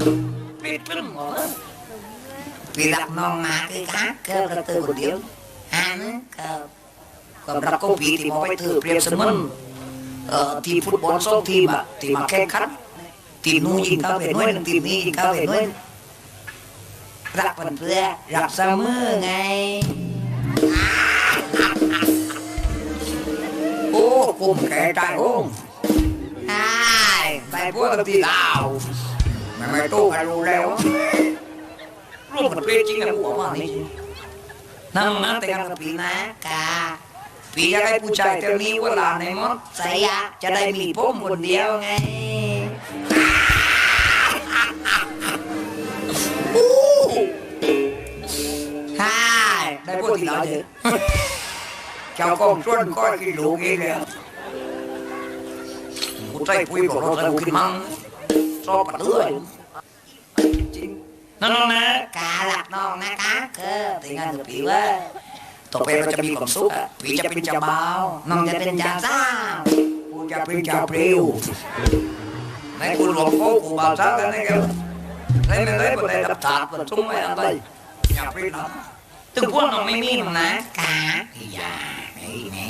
ปิดขึ้นหมดพี่รักน้องมาคือครับก็กระตือคนเดียวก็รักก็พี่ที่มองไปเธอเปรียบเสมือนทีมฟุตบอล2 ทีมอะที่มาแข่งขันทีมนู้นยิงเข้าไปน้อยนึงทีมนี้ยิงเข้าไปน้อยรักเพื่อนรักเสมอไงโอ้กุมแก่ใจโอ้ไปพวกที่ลาวไม่ตู้กันรู้แล้วร่วมกันเปรี้ยจริงกันหัวว่านี่นั่งนะแต่งงานกับพี่นะกาพี่อยากให้ผู้ชายเท่านี้เวลาในมดใส่ยาจะได้มีผมคนเดียวไงได้พวกที่เราเจอเจ้ากองชวนก็กินลูกเองเลยกูใจคุยบอกเราจะกินมั้งชอบปัดเลื่อยจริงน้องนะกาหลักน้องนะคะแต่งงานกับพี่ว่าต่อไปเราจะมีความสุขพี่จะเป็นเจ้าบ่าวน้องจะเป็นเจ้าสาวกูจะเป็นเจ้าเปรี้ยวในกูหลวงพ่อกูบ่าวสาวกันนะครับในบนในดับถาดบนทุ่งไม่อะไรอย่าไปทำถึงพวกน้องไม่มีน้องนะกาอย่านี่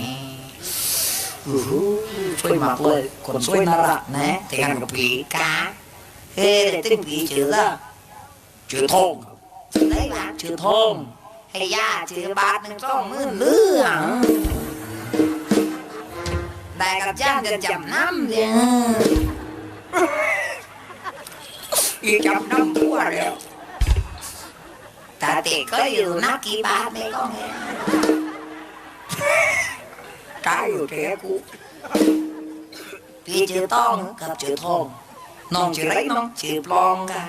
ช่วยมากเลยคนช่วยน่ารักนะแต่งงานกับพี่กาแต่ตึ้งพี่ชื่อทองได้หลักชื่อทองให้ย่าชื่อบาท1-2 หมื่นเรื่องได้กับจ้างจะจำน้ำเนี่ยอีจำน้ำตัวแล้วแต่เด็กก็อยู่นักกี่บาทไม่ก็ไงตายอยู่แค่กูพี่ชื่อต้องกับชื่อทองน้องชื่อไรน้องชื่อปลองกัน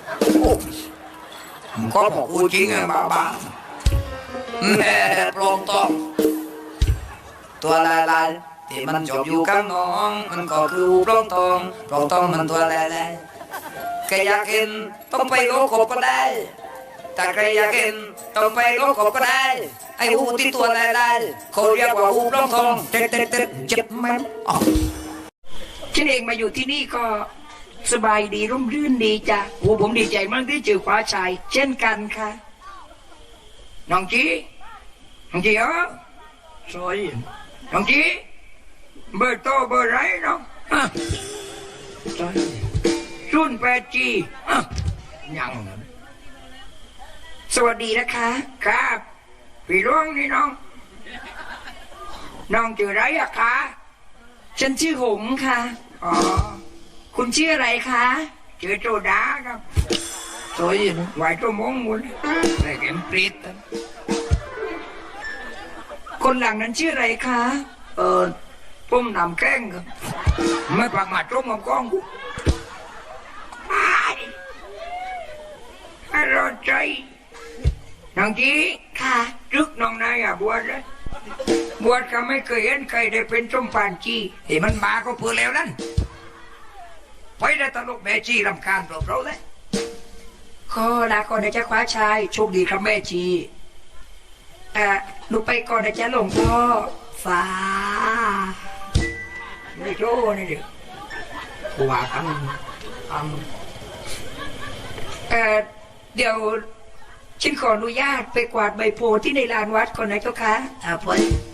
ก็บอกกูจริงอะบ้าแม่ปลองต้องตัวลายที่มันจบอยู่กับน้องมันก็คือปลองต้องมันตัวลายแค่อยากเห็นต้องไปโลกบก็ได้แต่ใครอยากเห็นต้องไปโลกบก็ได้ไอ้หูที่ตัวลายเขาเรียกว่าหูปลองทองเจ็บไหมฉันเองมาอยู่ที่นี่ก็สบายดีร่มรื่นดีจ้ะโอ้ผมดีใจมากที่เจอคว้าชายเช่นกันค่ะน้องจีเหรอสวยน้องจีเบอร์โตเบอร์ไรน้องรุ่น8Gยังสวัสดีนะคะครับพี่ร้องนี่น้องชื่ออะไรอะคะฉันชื่อหงค่ะอ๋อคุณชื่ออะไรคะชื่อโจดาครับสวยไหวตัวมงมุนแต่แกมปริดคนหลังนั้นชื่ออะไรคะปุ้มนำแกล้งครับไม่ปากมาจ้องกับกล้องกูให้รอใจน้องจีค่ะรึกน้องนายบวชเลยบวชก็ไม่เคยเห็นใครได้เป็นสมภารจีที่มันมาก็เพื่อแล้วนั่นไปได้ตลกแม่จีรำคาญตัวเราเลยขอลาก่อนนะจ๊ะคว้าชายโชคดีครับแม่จีหนูไปก่อนนะจ๊ะหลวงพ่อฟ้าไม่โจ้นี่ดิว่ากันเดี๋ยวฉันขออนุญาตไปกวาดใบโพที่ในลานวัดก่อนนะเจ้าค่ะพ่อ